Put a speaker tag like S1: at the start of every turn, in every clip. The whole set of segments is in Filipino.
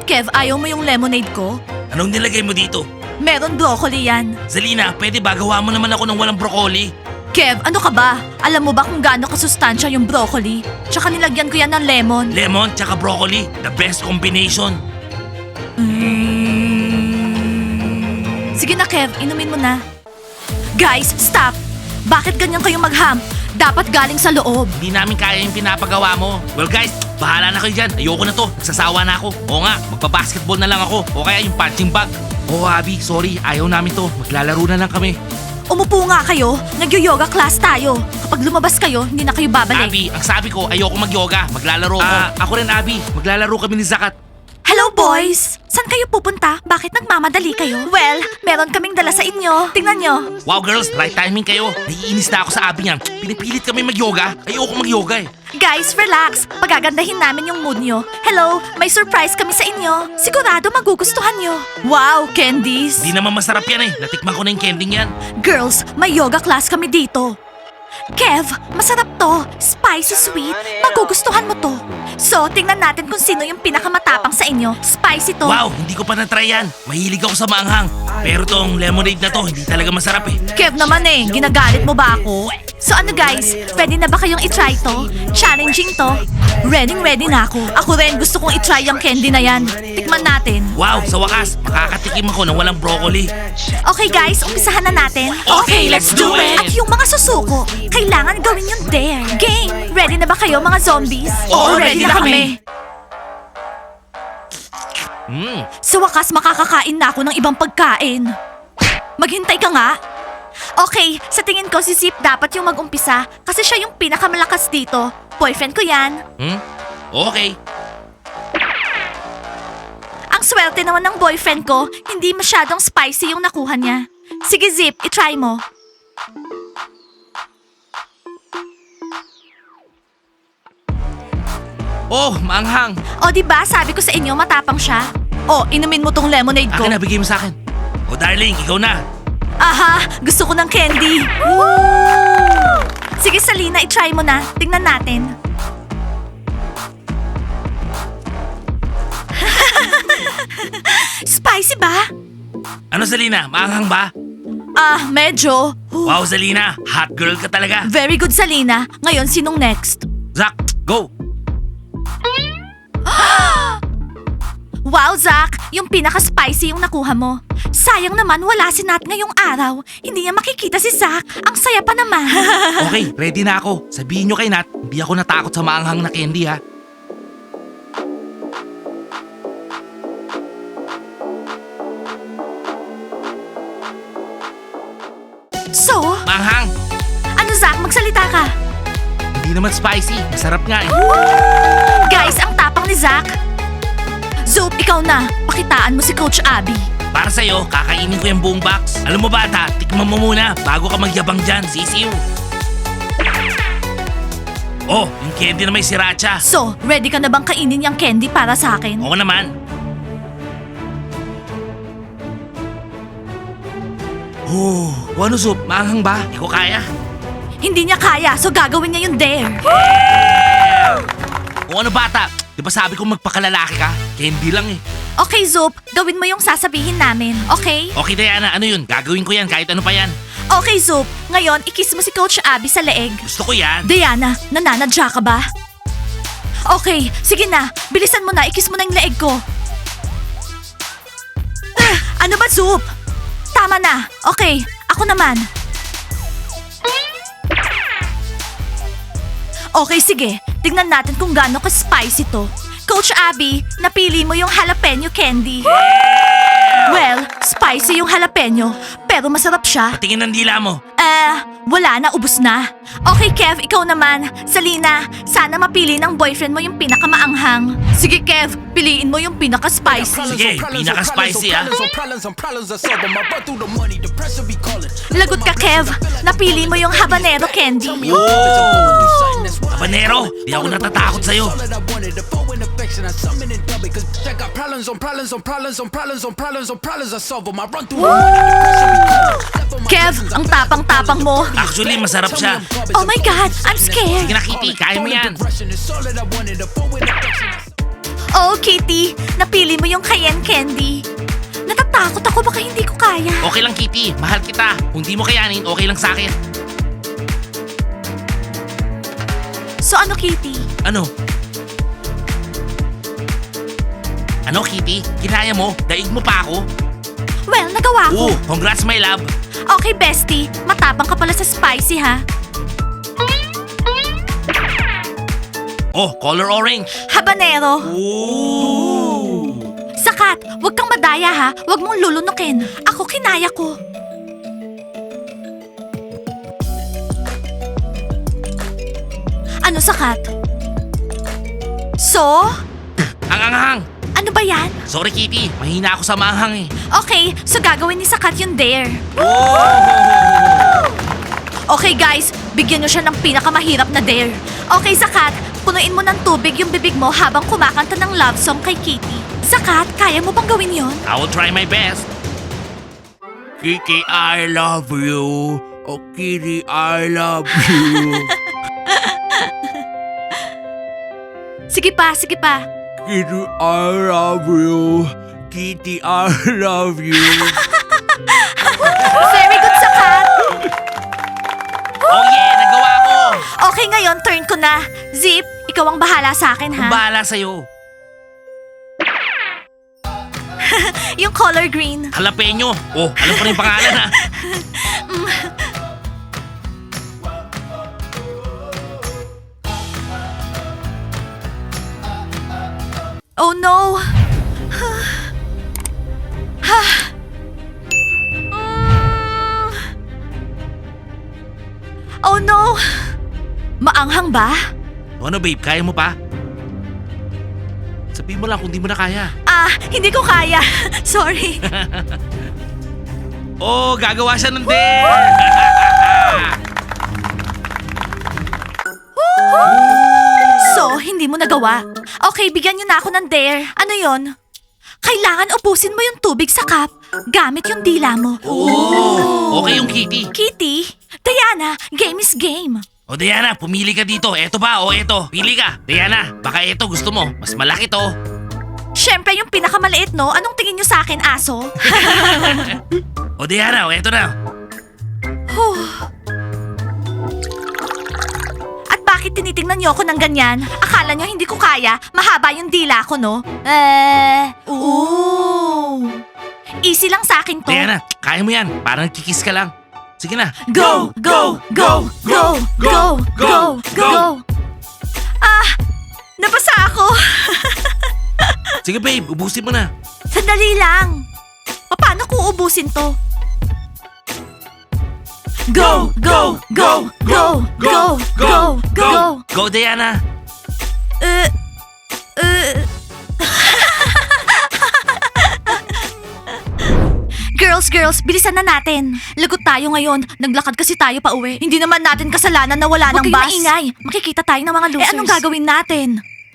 S1: Kev, ayaw mo yung lemonade ko?
S2: Anong nilagay mo dito?
S1: Meron broccoli yan.
S2: Zalina, pwede ba gawa mo naman ako ng walang broccoli?
S1: Kev, ano ka ba? Alam mo ba kung gaano kasustansya yung broccoli? Tsaka nilagyan ko yan ng lemon.
S2: Lemon tsaka broccoli, the best combination.
S1: Sige na, Kev, inumin mo na. Guys, stop! Bakit ganyan kayong magham? Dapat galing sa loob.
S2: Hindi namin kaya yung pinapagawa mo. Well guys, bahala na kayo dyan. Ayoko na to. Nagsasawa na ako. Oo nga, magpa-basketball na lang ako. O kaya yung punching bag. Oo Abby, sorry. Ayaw namin to. Maglalaro na lang kami.
S1: Umupo nga kayo. Nag-yoga class tayo. Kapag lumabas kayo, hindi na kayo babalik.
S2: Abby, ang sabi ko, ayoko mag-yoga. Maglalaro ako. Ako rin Abby. Maglalaro kami ni Zakat.
S1: Hello, boys! Saan kayo pupunta? Bakit nagmamadali kayo? Well, meron kaming dala sa inyo. Tingnan nyo.
S2: Wow girls, right timing kayo. Naiinis na ako sa Abby niyan. Pinipilit kami mag-yoga. Ayoko mag-yoga eh.
S1: Guys, relax. Pagagandahin namin yung mood nyo. Hello, may surprise kami sa inyo. Sigurado magugustuhan nyo. Wow, candies!
S2: Hindi naman masarap yan eh. Natikman ko na yung candy yan.
S1: Girls, may yoga class kami dito. Kev, masarap to. Spicy sweet. Magugustuhan mo to. So, tingnan natin kung sino yung pinakamatapang sa inyo. Spicy to.
S2: Wow, hindi ko pa na-try yan. Mahilig ako sa maanghang. Pero tong lemonade na to, hindi talaga masarap eh.
S1: Kev naman eh, ginagalit mo ba ako? So ano guys, pwede na ba kayong itry to? Challenging to? Ready na ako. Ako rin, gusto kong itry yung candy na yan. Tikman natin.
S2: Wow, sa wakas, makakatikim ako ng walang broccoli.
S1: Okay guys, umpisahan na natin.
S2: Okay, let's do it!
S1: At yung mga susuko, kailangan gawin yung dare. Game! Ready na ba kayo mga zombies?
S2: Oo, ready na kami.
S1: Sa wakas, makakakain na ako ng ibang pagkain. Maghintay ka nga. Okay, sa tingin ko si Zip dapat yung mag-umpisa kasi siya yung pinakamalakas dito. Boyfriend ko yan.
S2: Okay.
S1: Ang swerte naman ng boyfriend ko, hindi masyadong spicy yung nakuha niya. Sige Zip, itry mo.
S2: Oh, maanghang.
S1: O diba, sabi ko sa inyo matapang siya. O, inumin mo tong lemonade ko.
S2: Akin na, bigay mo sa akin. Oh darling, ikaw na.
S1: Aha, gusto ko ng candy. Sige Salina, itry mo na. Tingnan natin. Spicy ba?
S2: Ano Zalina, maanghang ba?
S1: Ah, medyo.
S2: Wow Zalina, hot girl ka talaga.
S1: Very good Salina. Ngayon, sinong next?
S2: Zach, go.
S1: Wow, Zach! Yung pinaka-spicy yung nakuha mo. Sayang naman wala si Nat ngayong araw. Hindi niya makikita si Zach. Ang saya pa naman.
S2: Okay, ready na ako. Sabihin nyo kay Nat, hindi ako natakot sa maanghang na candy ha.
S1: So,
S2: Maanghang,
S1: ano Zach, magsalita ka.
S2: hindi naman spicy. Masarap nga eh.
S1: Guys, ang tapang ni Zach. Zoop, ikaw na. Pakitaan mo si Coach Abby.
S2: Para sa'yo, kakainin ko yung buong box. Alam mo bata, tikman mo muna bago ka magyabang dyan, sisiw. Oh, yung candy na may sriracha.
S1: So, ready ka na bang kainin yung candy para sa akin?
S2: Oo naman. Oh, ano soup? Maanghang ba? Hindi ko kaya.
S1: Hindi niya kaya, so gagawin niya yung dare.
S2: O ano bata? Di ba sabi ko magpakalalaki ka? Candy lang eh.
S1: Okay, Zoop, gawin mo yung sasabihin namin, okay?
S2: Okay Diana, ano yun? Gagawin ko yan kahit ano pa yan.
S1: Okay, Zoop. Ngayon, ikiss mo si Coach Abby sa leeg.
S2: Gusto ko yan.
S1: Diana, nananadya ka ba? Okay, sige na. Bilisan mo na, ikiss mo na yung leeg ko. Ano ba, Zoop? Tama na. Okay, ako naman. Okay, sige. Tingnan natin kung gaano ka-spicy to. Coach Abby, napili mo yung jalapeno candy. Well, spicy yung jalapeno, pero masarap siya.
S2: Patingin ng dila mo.
S1: Wala na, ubus na. Okay, Kev, ikaw naman. Salina, sana mapili ng boyfriend mo yung pinakamaanghang. Sige, Kev, piliin mo yung pinaka-spicy.
S2: Sige, pinaka-spicy ah.
S1: Lagot ka, Kev. Napili mo yung habanero candy.
S2: Habanero, di ako natatakot sa'yo.
S1: Kev, ang tapang-tapang mo.
S2: Actually, masarap siya.
S1: Oh my God, I'm scared.
S2: Sige na, Kitty, kaya mo yan.
S1: Oh, Kitty, napili mo yung cayenne candy. Natatakot ako, baka hindi ko kaya.
S2: Okay lang, Kitty. Mahal kita. Kung di mo kayanin, okay lang sa akin.
S1: So ano, Kitty?
S2: Ano? Ano, Kitty? Kinaya mo? Daig mo pa ako?
S1: Well, nagawa ko.
S2: Congrats, my love.
S1: Okay, bestie. Matapang ka pala sa spicy, ha?
S2: Oh, color orange.
S1: Habanero.
S2: Ooh.
S1: Sakat, wag kang madaya, ha? Wag mong lulunukin. Ako, kinaya ko. Ano, Sakat? So?
S2: Ang anghang.
S1: Ano ba yan?
S2: Sorry, Kitty. Mahina ako sa maanghang eh.
S1: Okay, so gagawin ni Sakat yung dare.
S2: Oh!
S1: Okay guys, bigyan nyo siya ng pinakamahirap na dare. Okay, Sakat, punuin mo ng tubig yung bibig mo habang kumakanta ng love song kay Kitty. Sakat, kaya mo bang gawin yon?
S2: I will try my best. Kitty, I love you. Oh, Kitty, I love you.
S1: Sige pa, sige pa.
S2: Kitty, I love you. Kitty, I love you.
S1: Very good, Sakat.
S2: Oh yeah, nagawa ko.
S1: Okay, ngayon turn ko na. Zip, ikaw ang bahala sa akin, ha?
S2: Bahala sa'yo.
S1: Yung color green.
S2: Jalapeno. Oh, alam ko na yung pangalan ha.
S1: Oh no! Oh no! Maanghang ba?
S2: Ano babe, kaya mo pa? Sabihin mo lang kung di mo na kaya.
S1: Ah, hindi ko kaya. Sorry.
S2: Oh, gagawa siya ng dare!
S1: So, hindi mo nagawa. Okay, bigyan niyo na ako ng dare. Ano yon? Kailangan ubusin mo yung tubig sa cup gamit yung dila mo.
S2: Oh, okay yung Kitty.
S1: Kitty, Diana, game is game.
S2: O Diana, pumili ka dito. Eto ba o eto? Pili ka. Diana, baka eto gusto mo. Mas malaki to.
S1: Siyempre yung pinakamaliit, no? Anong tingin niyo sa akin, aso?
S2: O Diana, o eto na.
S1: At bakit tinitingnan niyo ako ng ganyan? Akala niyo hindi ko kaya? Mahaba yung dila ko, no? Easy lang sa akin to.
S2: Diana, kaya mo yan. Parang kikis ka lang. Sige na.
S1: Go, go, go, go, go, go, go. Ah, nabasa ako.
S2: Sige babe, ubusin mo na.
S1: Sandali lang. Paano ko ubusin to? Go, go, go, go, go, go, go.
S2: Go Diana.
S1: Girls, bilisan na natin. Lagot tayo ngayon. Naglakad kasi tayo pa uwi. Hindi naman natin kasalanan na wala ng bus. Huwag kayong maingay. Makikita tayo ng mga losers. Anong gagawin natin?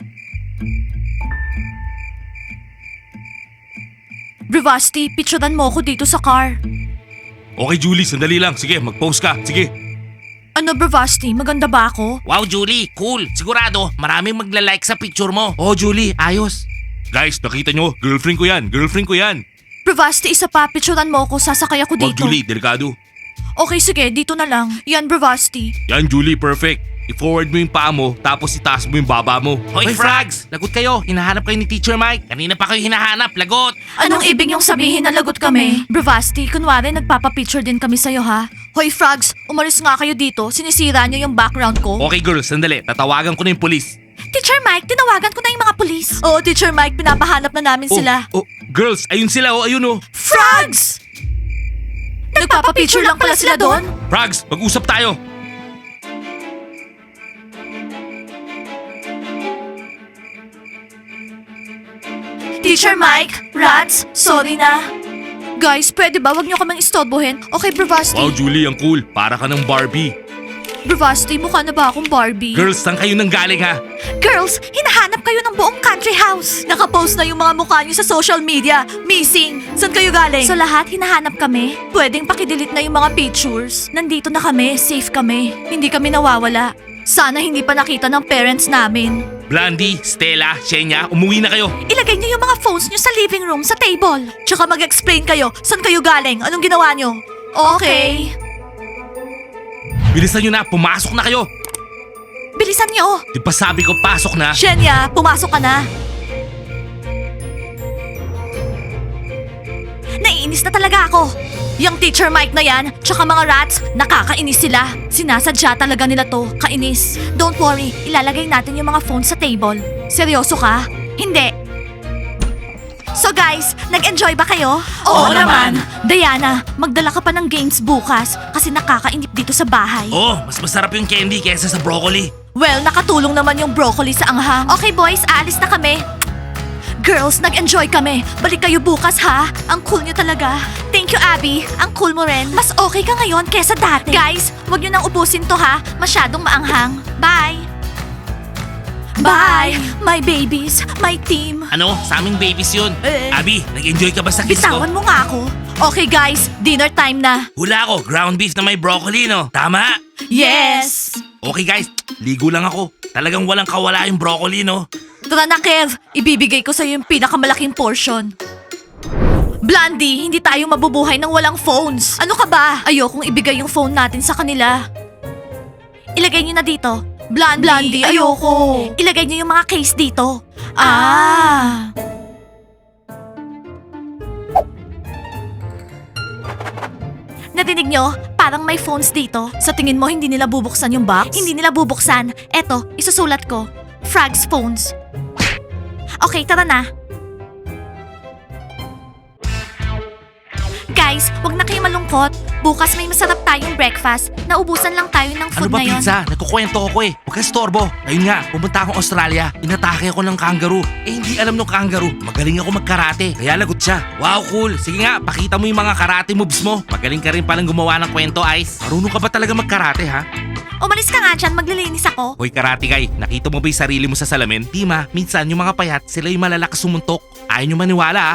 S1: Bravasti, picturean mo ako dito sa car.
S2: Okay Julie, sandali lang. Sige, mag-post ka. Sige.
S1: Ano, Bravasti? Maganda ba ako?
S2: Wow Julie, cool. Sigurado, maraming magla-like sa picture mo. Oh Julie, ayos. Guys, nakita nyo? Girlfriend ko yan. Girlfriend ko yan.
S1: Bravasti, isa pa. Picturean mo ako. Sasakay ako
S2: Wag
S1: dito.
S2: Julie, delikado.
S1: Okay, sige. Dito na lang. Yan, Bravasti.
S2: Yan Julie, perfect. I-forward mo yung paa mo, tapos itaas mo yung baba mo. Hoy Frags! Lagot kayo. Hinahanap kayo ni Teacher Mike. Kanina pa kayo hinahanap. Lagot!
S1: Anong ibig niyong sabihin na lagot kami? Bravasti, kunwari nagpapapicture din kami sa'yo, ha? Hoy, Frogs, umalis nga kayo dito. Sinisira niyo yung background ko.
S2: Okay girls, sandali. Tatawagan ko na yung polis.
S1: Teacher Mike, tinawagan ko na yung mga pulis. Oo, Teacher Mike, pinapahanap na namin sila.
S2: Oh, girls, ayun sila. Oh, ayun oh.
S1: Frogs! Nagpapapicture lang pala sila doon?
S2: Frags, mag-usap tayo.
S1: Teacher Mike, Rats, sorry na. Guys, pwede ba wag niyo kaming istorbohin? Okay, Bravasti.
S2: Wow Julie, ang cool. Para ka ng Barbie.
S1: Bravasti, mukha na ba akong Barbie?
S2: Girls, saan kayo nang galing ha?
S1: Girls, hinahanap kayo ng buong country house. Nakapost na yung mga mukha niyo sa social media. Missing. Saan kayo galing? So lahat hinahanap kami? Pwedeng pakidelete na yung mga pictures. Nandito na kami, safe kami. Hindi kami nawawala. Sana hindi pa nakita ng parents namin.
S2: Blondie, Stella, Shenya, umuwi na kayo.
S1: Ilagay niyo yung mga phones niyo sa living room, sa table. Tsaka mag-explain kayo, saan kayo galing, anong ginawa niyo. Okay.
S2: Bilisan nyo na, pumasok na kayo.
S1: Bilisan niyo.
S2: Di ba sabi ko pasok na?
S1: Shenya, pumasok ka na. Naiinis na talaga ako. Yung Teacher Mike na yan, tsaka mga rats, nakakainis sila. Sinasadya talaga nila to, kainis. Don't worry, ilalagay natin yung mga phones sa table. Seryoso ka? Hindi. So guys, nag-enjoy ba kayo?
S2: Oo naman.
S1: Diana, magdala ka pa ng games bukas kasi nakakainip dito sa bahay.
S2: Oh, mas masarap yung candy kaysa sa broccoli.
S1: Well, nakatulong naman yung broccoli sa anghang. Okay boys, aalis na kami. Girls, nag-enjoy kami. Balik kayo bukas ha. Ang cool nyo talaga. Thank you, Abby. Ang cool mo rin. Mas okay ka ngayon kesa dati. Guys, wag nyo nang ubusin to ha. Masyadong maanghang. Bye! Bye! My babies, my team.
S2: Ano? Sa aming babies yun.
S1: Eh.
S2: Abby, nag-enjoy ka ba sa kiss ko?
S1: Bitawan mo nga ako. Okay guys, dinner time na.
S2: Hula ko, ground beef na may broccoli, no? Tama?
S1: Yes!
S2: Okay guys, ligo lang ako. Talagang walang kawala yung broccoli, no?
S1: Tara na, Kev. Ibibigay ko sa'yo yung pinakamalaking portion. Blondie, hindi tayo mabubuhay ng walang phones. Ano ka ba? Ayokong ibigay yung phone natin sa kanila. Ilagay niyo na dito. Blondie, ayoko. Ilagay niyo yung mga case dito. Ah. Nadinig nyo? Parang may phones dito. Sa tingin mo, hindi nila bubuksan yung box? Hindi nila bubuksan. Eto, isusulat ko. Frogs phones. Okay, tara na. Guys, wag na kayo malungkot. Bukas may masarap tayong breakfast. Naubusan lang tayo ng
S2: Ano
S1: food
S2: ba
S1: na yon.
S2: pizza? Nagkukwento ako eh. Huwag ka storbo. Ayun nga, pumunta akong Australia. Inatake ako ng kangaroo. Eh hindi alam ng kangaroo. Magaling ako magkarate. Kaya lagot siya. Wow, cool. Sige nga, pakita mo yung mga karate moves mo. Magaling ka rin palang gumawa ng kwento, Ice. Marunong ka ba talaga magkarate, ha?
S1: Umalis ka nga dyan, maglilinis ako.
S2: Hoy karate guy, nakita mo ba yung sarili mo sa salamin? Di ma, minsan yung mga payat, sila yung malalakas sumuntok. Ayaw nyo maniwala, ah.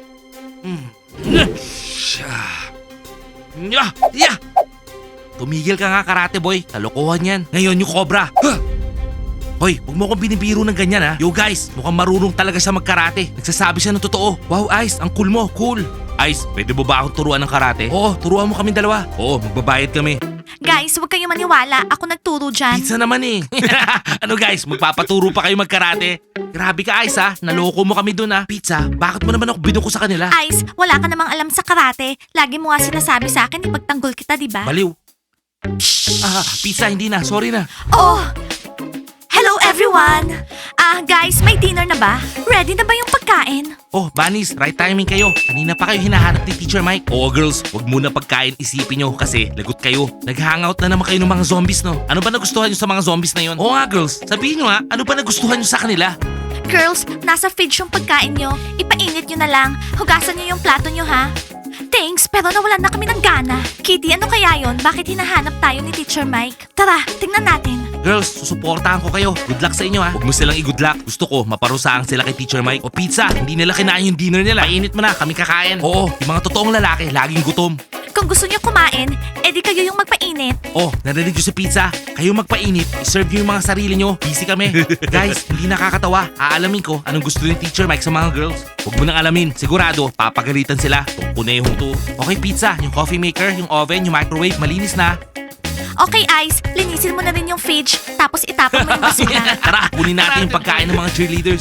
S2: Tumigil ka nga karate boy, kalokohan yan. Ngayon yung cobra. Hoy, huwag mo akong binibiro ng ganyan ha. Yo guys, mukhang marunong talaga siya magkarate. Nagsasabi siya ng totoo. Wow Ice, ang cool mo, cool. Ice, pwede mo ba akong turuan ng karate? Oo, turuan mo kami dalawa. Oo, magbabayad kami.
S1: Guys, huwag kayo maniwala. Ako nagturo dyan.
S2: Pizza naman eh. Ano guys, magpapaturo pa kayo magkarate? Grabe ka Ice ha, naloko mo kami dun ha. Pizza, bakit mo naman ako binuko sa kanila?
S1: Ice, wala ka namang alam sa karate. Lagi mo nga sinasabi sa akin, ipagtanggol kita, di ba?
S2: Baliw. Pizza, hindi na, sorry na.
S1: Oh! Hello everyone! Guys, may dinner na ba? Ready na ba yung pagkain?
S2: Oh, Bunnies, right timing kayo. Kanina pa kayo hinahanap ni Teacher Mike. Oo, girls, wag muna pagkain isipin nyo kasi lagot kayo. Nag-hangout na naman kayo ng mga zombies, no? Ano ba nagustuhan nyo sa mga zombies na yon? Oo nga, girls, sabihin nyo nga, ano ba nagustuhan nyo sa kanila?
S1: Girls, nasa fridge yung pagkain nyo. Ipainit nyo na lang. Hugasan nyo yung plato nyo, ha? Thanks, pero nawalan na kami ng gana. Kitty, ano kaya yon? Bakit hinahanap tayo ni Teacher Mike? Tara, tingnan natin.
S2: Girls, susuportahan ko kayo. Good luck sa inyo ha. Huwag mo silang i-good luck. Gusto ko, maparusahan sila kay Teacher Mike. O pizza, hindi nila kinain yung dinner nila. Painit mo na, kami kakain. Oo, yung mga totoong lalaki, laging gutom.
S1: Kung gusto nyo kumain, edi kayo yung magpainit.
S2: Oh, narinig nyo si pizza. Kayo magpainit, iserve nyo yung mga sarili nyo. Busy kami. Guys, hindi nakakatawa. Aalamin ko anong gusto ni Teacher Mike sa mga girls. Huwag mo nang alamin. Sigurado, papagalitan sila. Itong kunehong to. Okay, pizza. Yung coffee maker, yung oven, yung microwave, malinis na.
S1: Okay, Ice, linisin mo na rin yung fridge, tapos itapon mo yung basura.
S2: Tara, kunin natin yung pagkain ng mga cheerleaders.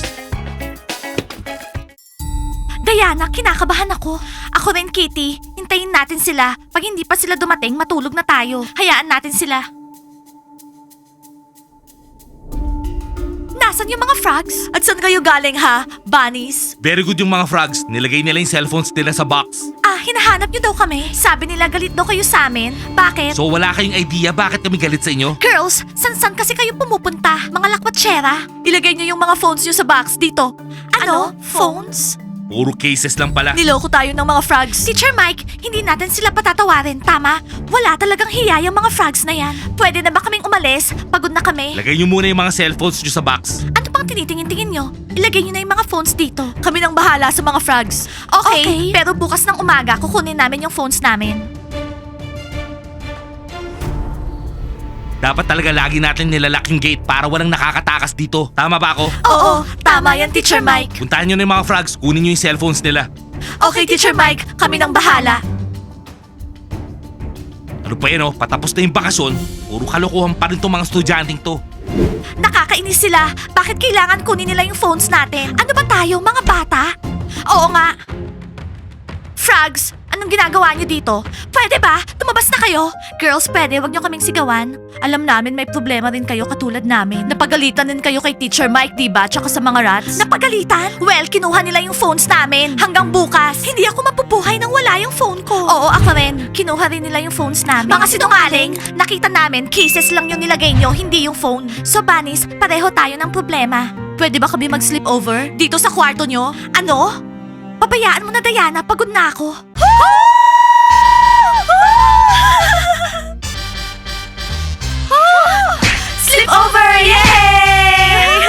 S1: Diana, kinakabahan ako. Ako rin, Kitty. Hintayin natin sila. Pag hindi pa sila dumating, matulog na tayo. Hayaan natin sila. Nasaan yung mga frogs? At saan kayo galing ha, bunnies?
S2: Very good yung mga frogs. Nilagay nila yung cellphones nila sa box.
S1: Hinahanap niyo daw kami. Sabi nila galit daw kayo sa amin. Bakit?
S2: So wala kayong idea bakit kami galit sa inyo?
S1: Girls, san kasi kayo pumupunta? Mga lakwatsera? Ilagay niyo yung mga phones niyo sa box dito. Ano? Phones?
S2: Puro cases lang pala.
S1: Niloko tayo ng mga frogs. Teacher Mike, hindi natin sila patatawarin, tama? Wala talagang hiya yung mga frogs na yan. Pwede na ba kaming umalis? Pagod na kami.
S2: Lagay nyo muna yung mga cellphones nyo sa box.
S1: Ano pang tinitingin-tingin nyo? Ilagay nyo na yung mga phones dito. Kami nang bahala sa mga frogs. Okay, pero bukas ng umaga kukunin namin yung phones namin.
S2: Dapat talaga lagi natin nilalak yung gate para walang nakakatakas dito. Tama ba ako?
S1: Oo, tama yan, Teacher Mike.
S2: Puntahan nyo na yung mga frogs, kunin nyo yung cellphones nila.
S1: Okay, Teacher Mike, kami nang bahala.
S2: Ano pa yan patapos na yung bakasyon, puro kalokohan pa rin tong mga estudyanteng to.
S1: Nakakainis sila. Bakit kailangan kunin nila yung phones natin? Ano ba tayo, mga bata? Oo nga. Frogs, anong ginagawa niyo dito? Pwede ba? Tumabas na kayo? Girls, pwede, wag niyo kaming sigawan. Alam namin may problema rin kayo katulad namin. Napagalitan din kayo kay Teacher Mike, diba? Tsaka sa mga rats. Napagalitan? Well, kinuha nila yung phones namin. Hanggang bukas. Hindi ako mapubuhay nang wala yung phone ko. Oo, ako rin. Kinuha rin nila yung phones namin. Mga sinungaling. Nakita namin, cases lang yung nilagay nyo, hindi yung phone. So, Bunnies, pareho tayo ng problema. Pwede ba kami mag-sleep over? Dito sa kwarto nyo? Ano? Pabayaan mo na, Diana. Pagod na ako. Sleep over! Yay!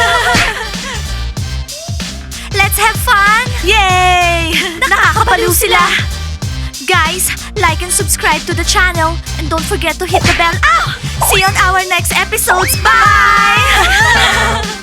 S1: Let's have fun! Yay! Nakakabaliw sila! Guys, like and subscribe to the channel and don't forget to hit the bell. Ow! See you on our next episodes. Bye!